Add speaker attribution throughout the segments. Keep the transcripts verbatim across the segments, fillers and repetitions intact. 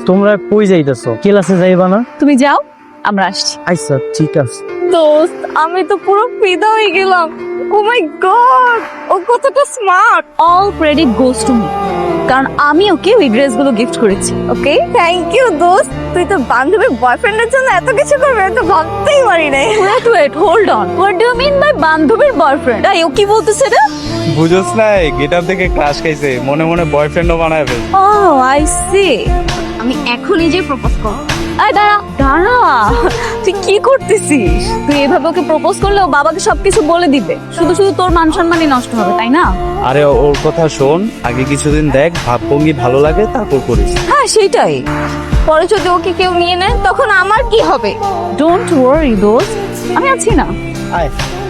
Speaker 1: তোমরা কই যাইতেছো? ক্লাসে যাইবা না?
Speaker 2: তুমি যাও, আমরা আসছি।
Speaker 1: আচ্ছা ঠিক আছে।
Speaker 2: দোস্ত, আমি তো পুরো ফিদা হয়ে গেলাম। ও মাই গড, ও কতটা smart. All credit goes to me, কারণ আমি ওকে ওই ড্রেসগুলো গিফট করেছি। ওকে, থ্যাংক ইউ দোস্ত। তুই তো বান্ধবীর বয়ফ্রেন্ডের জন্য এত কিছু করবে এটা ভাবতেই পারি নাই। Wait wait hold on, what do you mean by বান্ধবীর বয়ফ্রেন্ড? আই ও কি বলতেছে রে?
Speaker 3: বুঝোস নাই, গেটআপ থেকে ক্লাস খাইছে, মনে মনে বয়ফ্রেন্ডও বানায় ফেল।
Speaker 2: O I C. আমি এখন নিজেই প্রপোজ করব। আয় দাঁড়া দাঁড়া, তুই কি করতেছিস? তুই এভাবে ওকে প্রপোজ করলে ও বাবাকে সবকিছু বলে দিবে, শুধু শুধু তোর মান সম্মানই নষ্ট হবে, তাই না?
Speaker 3: আরে ওর কথা শোন, আগে কিছুদিন দেখ, ভাবভঙ্গি ভালো লাগে তারপর করিস।
Speaker 2: হ্যাঁ সেটাই। পরে যদি ওকে কেউ নিয়ে নেয় তখন আমার কি হবে? ডোন্ট ওয়ারি দোস্ত, আমি আছি না।
Speaker 3: আয়।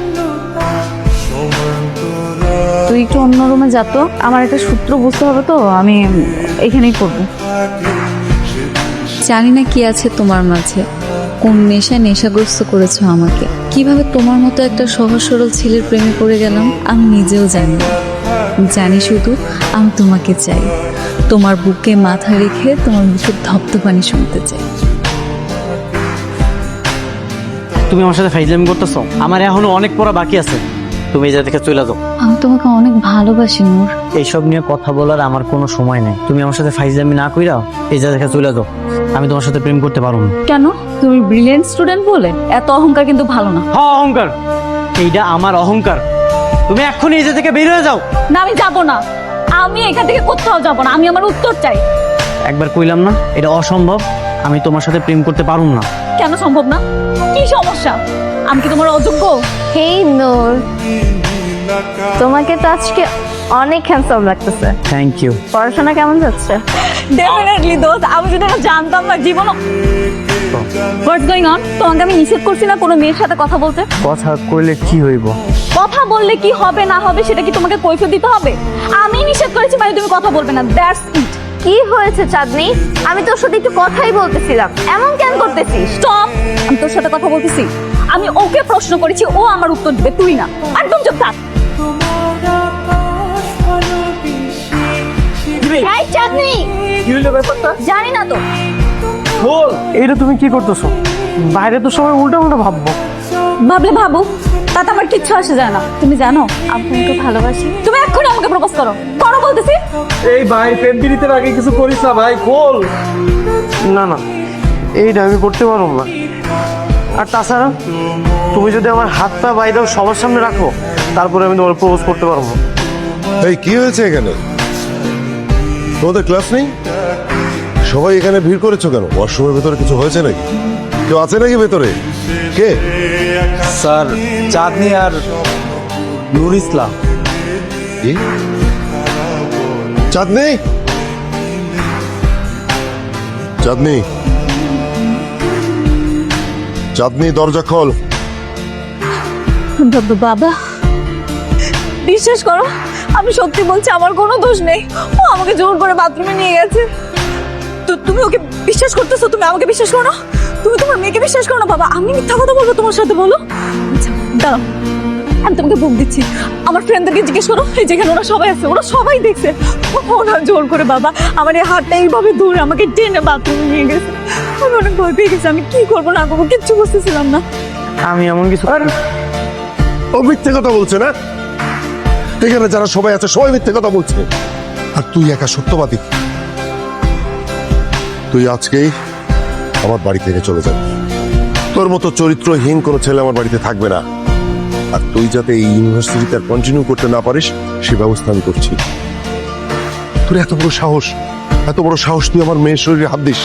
Speaker 2: তুই একটু অন্য রুমে যা তো, আমার একটা সূত্র বুঝতে হবে তো, আমি এখানেই করবো।
Speaker 4: জানি না কি আছে তোমার মাঝে, কোন নেশা নেশাগ্রস্ত করেছো আমাকে। কিভাবে তোমার মতো একটা সহজ সরল ছেলের প্রেমে পড়ে গেলাম আমি নিজেও জানি না। জানি শুধু আমি তোমাকে চাই, তোমার বুকে মাথা রেখে তোমার মুখের ধপ্ধপানি শুনতে চাই।
Speaker 1: তুমি আমার সাথে ফাইজলামি করতেছো? আমার এখনো অনেক পড়া বাকি আছে। তুমি এই জায়গা থেকে চলে যাও।
Speaker 4: আমি তোমাকে অনেক ভালোবাসি নূর।
Speaker 1: এইসব নিয়ে কথা বলার আমার কোনো সময় নেই। তুমি আমার সাথে ফাইজলামি না কইরা এই জায়গা থেকে চলে যাও। আমি তোমার সাথে প্রেম করতে পারবো না।
Speaker 2: কেন? তুমি ব্রিলিয়েন্ট স্টুডেন্ট বলে এত অহংকার কিন্তু ভালো না।
Speaker 1: হ্যাঁ অহংকার, এইটা আমার অহংকার। তুমি এক্ষুনি এই জায়গা থেকে বের হয়ে যাও।
Speaker 2: না আমি যাব না, আমি এখান থেকে কোথাও যাব না, আমি আমার উত্তর চাই।
Speaker 1: একবার কইলাম না এটা অসম্ভব, আমি তোমার সাথে প্রেম করতে পারুম না।
Speaker 2: কেন সম্ভব না? কি সমস্যা? আমি কি তোমার অযোগ্য?
Speaker 5: হেই নূর, তোমাকে তো আজকে অনেক হ্যান্ডসাম লাগতেছে।
Speaker 1: Thank you.
Speaker 5: পড়াশোনা কেমন যাচ্ছে?
Speaker 2: ডেফিনেটলি দোস্ত, আমি যদি এটা জানতাম না জীবন। What's going on? তোমাকে আমি নিষেধ করছি না কোনো মেয়ের সাথে কথা বলতে?
Speaker 1: কথা কইলে কি হইব?
Speaker 2: কথা বললে কি হবে না হবে সেটা কি তোমাকে কৈফিয়ত দিতে হবে? আমি নিষেধ করেছি মানে তুমি কথা বলবে না, দ্যাটস ইট।
Speaker 5: কি হয়েছে চাঁদনি? আমি তোর সাথে একটু কথাই বলতেছিলাম, এমন কেন করতেছিস?
Speaker 2: স্টপ। আমি তোর সাথে কথা বলতেছি, আমি ওকে প্রশ্ন করেছি, ও আমার উত্তর দিবে, তুই না। একদম চুপ থাক। এই চাঁদনি,
Speaker 1: কি হইলো ব্যাপারটা?
Speaker 2: জানি না তো।
Speaker 1: বল, এইটা তুমি কি করতেছো? বাইরে তো সবাই উল্টা উল্টা ভাববো।
Speaker 2: ভাবলে ভাবো, তাতে আমার কিচ্ছু আসে যায় না। তুমি জানো আমি তোমাকে ভালোবাসি। তুমি এক্ষুনি আমাকে প্রপোজ করো, করো বলতেছি।
Speaker 6: এই ভাই, প্রেম পিড়িতের আগে কিছু করিস না ভাই, বল।
Speaker 1: না না, এইটা আমি করতে পারবো না। আর তাছাড়া তুমি যদি আমার হাত পা বাইরে সবার সামনে রাখো তারপরে আমি তোমার প্রপোজ করতে পারবো।
Speaker 7: এই কি হয়েছে এখানে? তোমাদের ক্লাস নেই? সবাই এখানে ভিড় করেছো কেন? ওয়াশরুমের ভেতরে কিছু হয়েছে নাকি? কেউ আছে নাকি ভেতরে? কে?
Speaker 3: স্যার, চাঁদনি আর নুর ইসলাম।
Speaker 7: কি? চাঁদনি, চাঁদনি, চাঁদনি, দরজা খোল।
Speaker 2: বাবা, বিশ্বাস করো আমি সত্যি বলছি, আমার কোনো দোষ নেই। ও আমাকে জোর করে বাথরুমে নিয়ে গেছে। তো তুমি ওকে বিশ্বাস করতেছো? তুমি আমাকে বিশ্বাস করো না? তুমি তোমার মেয়েকে বিশ্বাস করো না? বাবা আমি মিথ্যা কথা বলবো তোমার সাথে? বলো। আচ্ছা দাঁড়াও, আমি তোমাকে বুক দিচ্ছি। আমার ফ্রেন্ডদেরকে জিজ্ঞেস করো, এই যেখানে ওরা সবাই আছে, ওরা সবাই দেখছে। ওরা জোর করে বাবা আমার এই হাতটা এইভাবে ধরে আমাকে টেনে বাথরুমে নিয়ে গেছে। আমি অনেক ভয় পেয়ে গেছি, আমি কি করবো না করবো কিচ্ছু বুঝতেছিলাম না।
Speaker 1: আমি এমন কিছু
Speaker 7: ও মিথ্যে কথা বলছে না? এখানে যারা সবাই আছে সবাই মিথ্যে কথা বলছে, আর তুই একা সত্যবাদী। তুই আজকেই আমার বাড়ি থেকে চলে যাবি। তোর মতো চরিত্রহীন কোনো ছেলে আমার বাড়িতে থাকবে না। আর তুই যাতে এই ইউনিভার্সিটিতে আর কন্টিনিউ করতে না পারিস সে ব্যবস্থা আমি করছি। তোর এত বড় সাহস, এত বড় সাহস তুই আমার মেয়ের শরীরে হাত দিস?